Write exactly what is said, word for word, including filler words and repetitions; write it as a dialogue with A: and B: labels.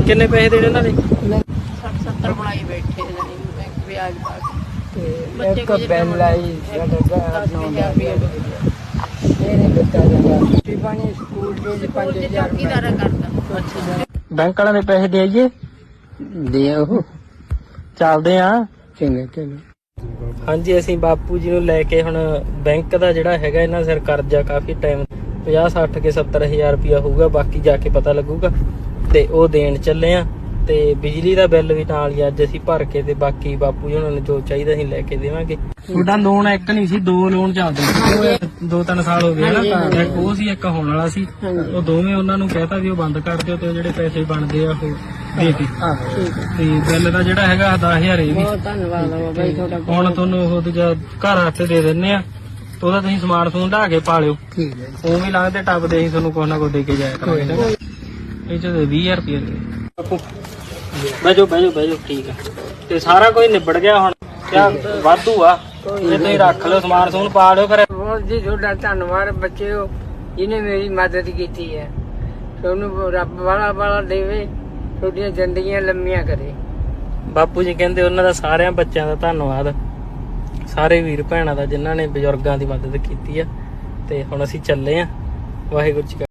A: ਕਿੰਨੇ ਪੈਸੇ ਦੇਣੇ ਉਹਨਾਂ ਨੇ?
B: ਸੱਠ ਸੱਤਰ ਬਣਾਈ ਬੈਠੇ ਨੇ ਵਿਆਜ ਪਾ ਕੇ।
C: ਇੱਕ ਬਿੱਲ ਆਈ ਸਾਡਾ ਨੌ ਹਜ਼ਾਰ ਇਹ ਨਹੀਂ ਦਿੱਤਾ ਜਾਂਦਾ। ਰੋਟੀ ਪਾਣੀ ਸਕੂਲ ਦੇ ਪੰਜ ਹਜ਼ਾਰ
B: ਚੌਕੀਦਾਰਾ ਕਰਦਾ।
A: ਅੱਛਾ ਬੈਂਕ ਵਾਲਿਆਂ ਦੇ ਪੈਸੇ ਦੇ ਆਈਏ?
C: ਦੇ ਉਹ
A: ਚੱਲਦੇ ਆ।
C: ਚੰਗਾ ਚਲੋ।
A: ਹਾਂਜੀ ਅਸੀਂ ਬਾਪੂ ਜੀ ਨੂੰ ਲੈ ਕੇ ਹੁਣ ਬੈਂਕ ਦਾ ਜਿਹੜਾ ਹੈਗਾ ਇਹਨਾਂ ਸਿਰ ਕਰਜ਼ਾ ਕਾਫੀ ਟਾਈਮ ਪੰਜਾਹ ਸੱਠ ਕੇ ਸੱਤਰ ਹਜ਼ਾਰ ਰੁਪਇਆ ਹੋਊਗਾ, ਬਾਕੀ ਜਾ ਕੇ ਪਤਾ ਲੱਗੂਗਾ, ਤੇ ਉਹ ਦੇਣ ਚੱਲੇ ਆ। ਤੇ ਬਿਜਲੀ ਦਾ ਬਿੱਲ ਵੀ ਨਾਲ ਹੀ ਅੱਜ ਅਸੀਂ ਭਰ ਕੇ ਤੇ ਬਾਕੀ ਬਾਪੂ ਜੀ ਉਹਨਾਂ ਨੂੰ ਜੋ ਚਾਹੀਦਾ ਅਸੀਂ ਲੈ ਕੇ ਦੇਵਾਂਗੇ। ਤੁਹਾਡਾ ਲੋਨ ਇੱਕ ਨਹੀਂ ਸੀ, ਦੋ ਲੋਨ ਚੱਲਦੇ ਸੀ, ਦੋ ਤਿੰਨ ਸਾਲ ਹੋ ਗਏ ਨਾ। ਇੱਕ ਉਹ ਸੀ, ਇੱਕ ਹੋਣ ਵਾਲਾ ਸੀ। ਉਹ ਦੋਵੇਂ ਉਹਨਾਂ ਨੂੰ ਕਹਿਤਾ ਵੀ ਉਹ ਬੰਦ ਕਰ ਦਿਓ ਤੇ ਜਿਹੜੇ ਪੈਸੇ ਬਣਦੇ ਆ ਉਹ ਦੇ ਕੇ। ਤੇ ਬਿੱਲ ਦਾ ਜਿਹੜਾ ਹੈਗਾ ਦਸ ਹਜ਼ਾਰ ਇਹ ਵੀ।
B: ਬਹੁਤ ਧੰਨਵਾਦ ਆ ਬਾਈ ਤੁਹਾਡਾ।
A: ਹੁਣ ਤੁਹਾਨੂੰ ਉਹ ਦੂਜਾ ਘਰ ਹੱਥ ਦੇ ਦਿੰਨੇ ਆ, ਉਹਦਾ ਤੁਸੀਂ ਸਮਾਨ ਸਮੂਨ ਢਾ ਕੇ ਪਾ ਲਿਓ।
C: ਠੀਕ ਹੈ।
A: ਉਹ ਵੀ ਲੰਘਦੇ ਟੱਪਦੇ ਅਸੀਂ ਤੁਹਾਨੂੰ ਕੁਛ ਨਾ ਕੁਛ ਦੇ ਕੇ ਜਾਇਆ ਕਰਾਂਗੇ। ਇਹ ਚ ਵੀਹ ਹਜ਼ਾਰ ਰੁਪਏ ਦੇ ਬੈਜੋ ਬੈਜੋ ਬੈਜੋ। ਠੀਕ ਆ ਤੇ ਸਾਰਾ ਕੁਝ ਨਿਬੜ ਗਿਆ ਹੁਣ। ਕਿਆ ਵਾਧੂ ਆ, ਇਹ ਤੁਸੀਂ ਰੱਖ ਲਿਓ, ਸਮਾਨ ਸਮੂਨ ਪਾ ਲਿਓ। ਫਿਰ
C: ਬਹੁਤ ਜੀ ਤੁਹਾਡਾ ਧੰਨਵਾਦ ਬੱਚਿਓ, ਜਿਹਨੇ ਮੇਰੀ ਮਦਦ ਕੀਤੀ ਹੈ। ਤੁਹਾਨੂੰ ਰੱਬ ਵਾਲਾ ਵਾਲਾ ਦੇਵੇ, ਤੁਹਾਡੀਆਂ ਜ਼ਿੰਦਗੀਆਂ ਲੰਮੀਆਂ ਕਰੇ।
A: ਬਾਪੂ ਜੀ ਕਹਿੰਦੇ ਉਹਨਾਂ ਦਾ ਸਾਰਿਆਂ ਬੱਚਿਆਂ ਦਾ ਧੰਨਵਾਦ, ਸਾਰੇ ਵੀਰ ਭੈਣਾਂ ਦਾ ਜਿਨ੍ਹਾਂ ਨੇ ਬਜ਼ੁਰਗਾਂ ਦੀ ਮਦਦ ਕੀਤੀ ਆ। ਤੇ ਹੁਣ ਅਸੀਂ ਚੱਲੇ ਆ। ਵਾਹਿਗੁਰੂ ਜੀ।